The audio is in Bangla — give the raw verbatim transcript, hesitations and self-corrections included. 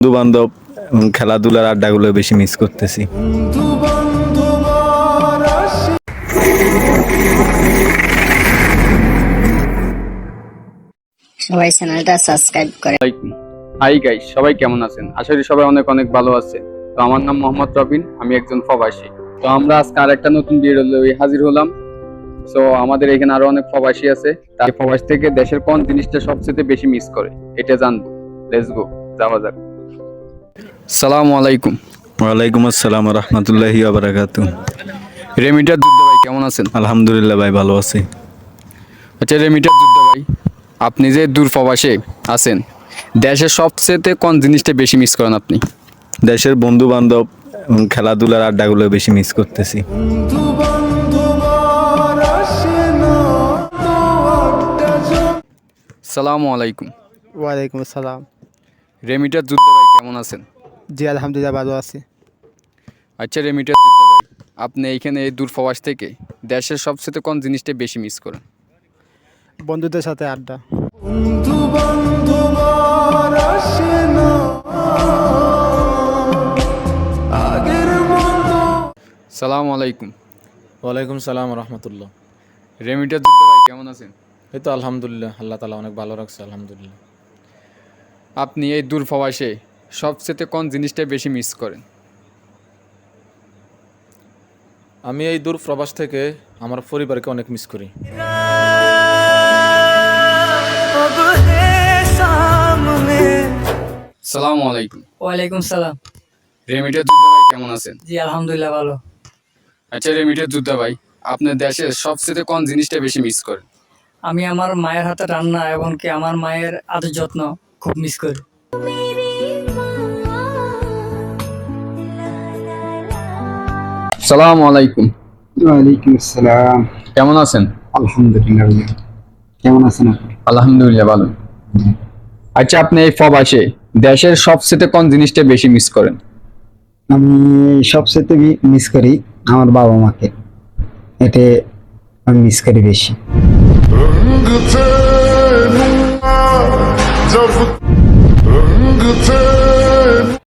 বন্ধু বান্ধব এবং খেলাধুলার আড্ডাগুলো বেশি মিস করতেছি। সবাই চ্যানেলটা সাবস্ক্রাইব করে। হাই গাইস, সবাই কেমন আছেন? আশা করি সবাই অনেক অনেক ভালো আছে। তো আমার নাম মোহাম্মদ রবিন, আমি একজন প্রবাসী। তো আমরা আজকে আরেকটা নতুন ভিডিও লইয়ে হাজির হলাম। সো আমাদের এখানে আরো অনেক প্রবাসী আছে, তাই প্রবাস থেকে দেশের কোন জিনিসটা সবচেয়ে বেশি মিস করে এটা জানবো। লেটস গো, যাওয়া যাক। আসসালামু আলাইকুম। ওয়ালাইকুম আসসালাম রহমতুল্লাহি ওয়া বারাকাতুহু। রেমিটার যুদ্ধ ভাই কেমন আছেন? আলহামদুলিল্লাহ ভাই, ভালো আছি। আচ্ছা রেমিটার যুদ্ধ ভাই, আপনি যে দূর প্রবাসে আছেন, দেশের সবচেয়ে কোন জিনিসটা বেশি মিস করেন আপনি? দেশের বন্ধু বান্ধব এবং খেলাধুলার আড্ডাগুলো বেশি মিস করতেছি। আসসালামু আলাইকুম। ওয়ালাইকুম আসসালাম। রেমিটার যুদ্ধ ভাই কেমন আছেন? জি আলহামদুলিল্লাহ ভালো আছি। আচ্ছা রেমিটার যুদ্ধ ভাই, আপনি এইখানে এই দূর প্রবাস থেকে দেশের সবচেয়ে কোন জিনিসটা বেশি মিস করেন? বন্ধুদের সাথে আড্ডা। সালাম আলাইকুম। ওয়ালাইকুম সালাম রহমতুল্লাহ। রেমিটার যুদ্ধ ভাই কেমন আছেন? এই তো আলহামদুলিল্লাহ, আল্লাহ তালা অনেক ভালো রাখছে আলহামদুলিল্লাহ। আপনি এই দূর প্রবাসে সবচেয়ে কোন জিনিসটা বেশি মিস করেন? আমি এই দূর প্রবাস থেকে আমার পরিবারকে অনেক মিস করি। সালামু আলাইকুম। ওয়ালাইকুম সালাম। রেমিটার যুদ্ধ ভাই কেমন আছেন? জি আলহামদুলিল্লাহ ভালো। আচ্ছা রেমিটার যুদ্ধ ভাই, আপনার দেশের সবচেয়ে কোন জিনিসটা বেশি মিস করেন? আমি আমার মায়ের হাতে রান্না এবং কি আমার মায়ের আদর যত্ন খুব মিস করি। সালামু আলাইকুম। ওয়ালাইকুম আসসালাম। কেমন আছেন? আলহামদুলিল্লাহ। কেমন আছেন আপনি? আলহামদুলিল্লাহ ভালো। আচ্ছা আপনি এই প্রবাসে দেশের সবচেয়ে কোন জিনিসটা বেশি মিস করেন? আমি সবচেয়ে মিস করি আমার বাবা মাকে, এতে আমি মিস করি বেশি। रंग थे जब रंग थे